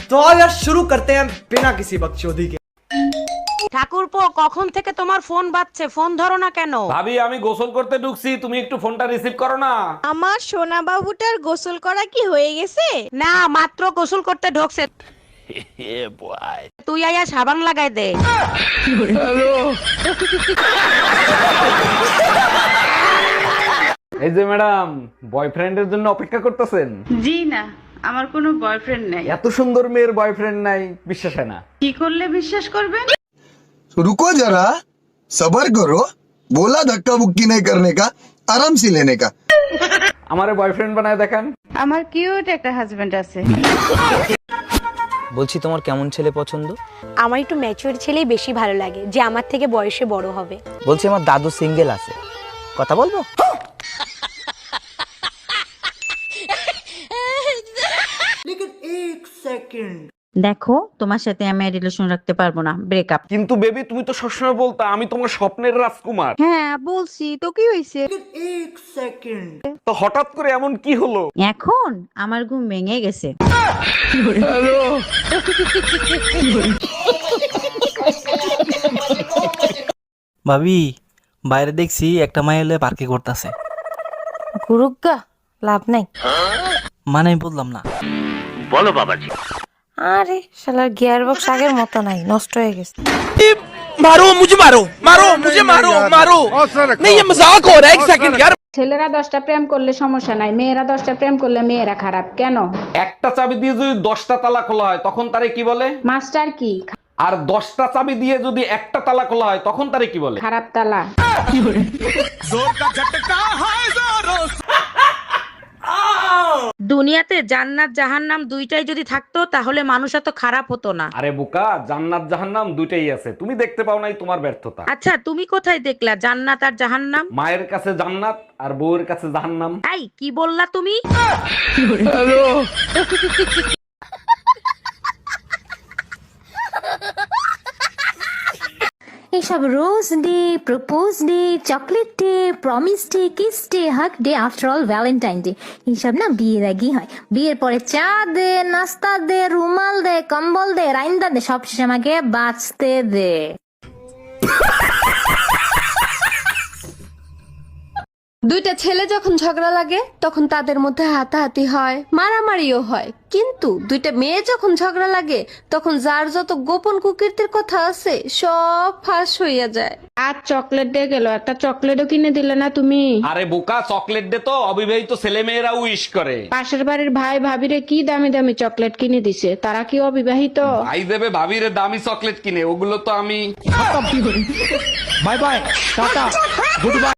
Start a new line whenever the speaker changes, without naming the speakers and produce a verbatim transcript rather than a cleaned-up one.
तो आओ यार शुरू करते हैं बिना किसी बकचोदी के।
ঠাকুরপো, কখন থেকে তোমার ফোন বাজছে, ফোন ধরো না কেন?
ভাবি আমি গোসল করতে ঢুকছি, তুমি একটু ফোনটা রিসিভ করো না।
আমার সোনা বাবুটার গোসল করা কি হয়ে গেছে?
না, মাত্র গোসল করতে ঢোকছে। তুই আয়া সাবান লাগাই দে।
এই যে ম্যাডাম, বয়ফ্রেন্ডের জন্য অপেক্ষা করতেছেন?
জি না, আমার কোনো বয়ফ্রেন্ড নাই।
এত সুন্দর মেয়ের বয়ফ্রেন্ড নাই, বিশ্বাস হয় না।
কি করলে বিশ্বাস করবেন?
रुको जरा सबर करो, बोला धक्का बुक्की नहीं करने का, आराम से लेने का।
আমারে বয়ফ্রেন্ড বানায় দেখান।
আমার কিউট একটা হাজবেন্ড আছে।
বলছি তোমার কেমন ছেলে পছন্দ?
আমার একটু ম্যাচিউর ছেলেই বেশি ভালো লাগে, যে আমার থেকে বয়সে বড় হবে।
বলছি আমার দাদু সিঙ্গেল আছে, কথা বলবো?
দেখো, তোমার সাথে আমি রিলেশন রাখতে পারবো না, ব্রেকআপ।
কিন্তু বেবি তুমি তো সবসময় বলতা আমি তোমার স্বপ্নের রাজকুমার।
হ্যাঁ বলছি তো, কি হয়েছে?
তো হঠাৎ করে এমন কি হলো?
এখন আমার ঘুম ভেঙে গেছে।
ভাবি, বাইরে দেখছি একটা মাই হলে পার্কে করতেছে।
গুরুগা লাভ নাই।
মানে আমি বললাম না।
বলো বাবাজি।
আরে শালার গিয়ার বক্স আগের মতো নাই, নষ্ট হয়ে গেছে।
মারো মুঝে, মারো মারো মুঝে, মারো মারো नहीं ये मजाक हो रहा है, एक सेकंड यार।
ছেলেরা দশটা প্রেম করলে সমস্যা নাই, মেয়েরা দশটা প্রেম করলে মেয়েরা খারাপ কেন?
একটা চাবি দিয়ে যদি দশটা তালা খোলা হয় তখন তারে কি বলে?
মাস্টার কি?
আর দশটা চাবি দিয়ে যদি একটা তালা খোলা হয় তখন তারে কি বলে?
খারাপ তালা।
দুনিয়াতে জান্নাত জাহান্নাম দুইটাই যদি থাকতো তাহলে মানুষ এত খারাপ হতো না।
আরে বোকা, জান্নাত জাহান্নাম দুইটাই আছে, তুমি দেখতে পাও নাই, তোমার ব্যর্থতা।
আচ্ছা, তুমি কোথায় দেখলা জান্নাত আর জাহান্নাম?
মায়ের কাছে জান্নাত আর বউয়ের কাছে জাহান্নাম।
এই কি বললা তুমি?
এইসব rose day, propose day, chocolate day, promise day, kiss day, hug day, after all Valentine day এইসব না বিয়ের আগেই হয়। বিয়ের পরে চা দে, নাস্তা দে, রুমাল দে, কম্বল দে, রাইন্দা দে, সব শেষে আমাকে বাঁচতে দে।
দুইটা ছেলে যখন ঝগড়া লাগে তখন তাদের মধ্যে হাতাহাতি হয়, মারামারিও হয়, কিন্তু দুইটা মেয়ে যখন ঝগড়া লাগে তখন যার যত গোপন কুকীর্তির কথা আছে সব ফাঁস হইয়া যায়।
আর চকলেট দিয়ে গেল, একটা চকলেটও কিনে দিলে না তুমি।
আরে বোকা, চকলেট দে তো অবিবাহিত ছেলে মেয়েরা উইশ করে।
পাশের বাড়ির ভাই ভাবিরে কি দামি দামি চকলেট কিনে দিছে, তারা কি অবিবাহিত?
ভাই দেবে ভাবিরে দামি চকলেট কিনে, ওগুলো তো আমি।
Bye bye, tata, good bye.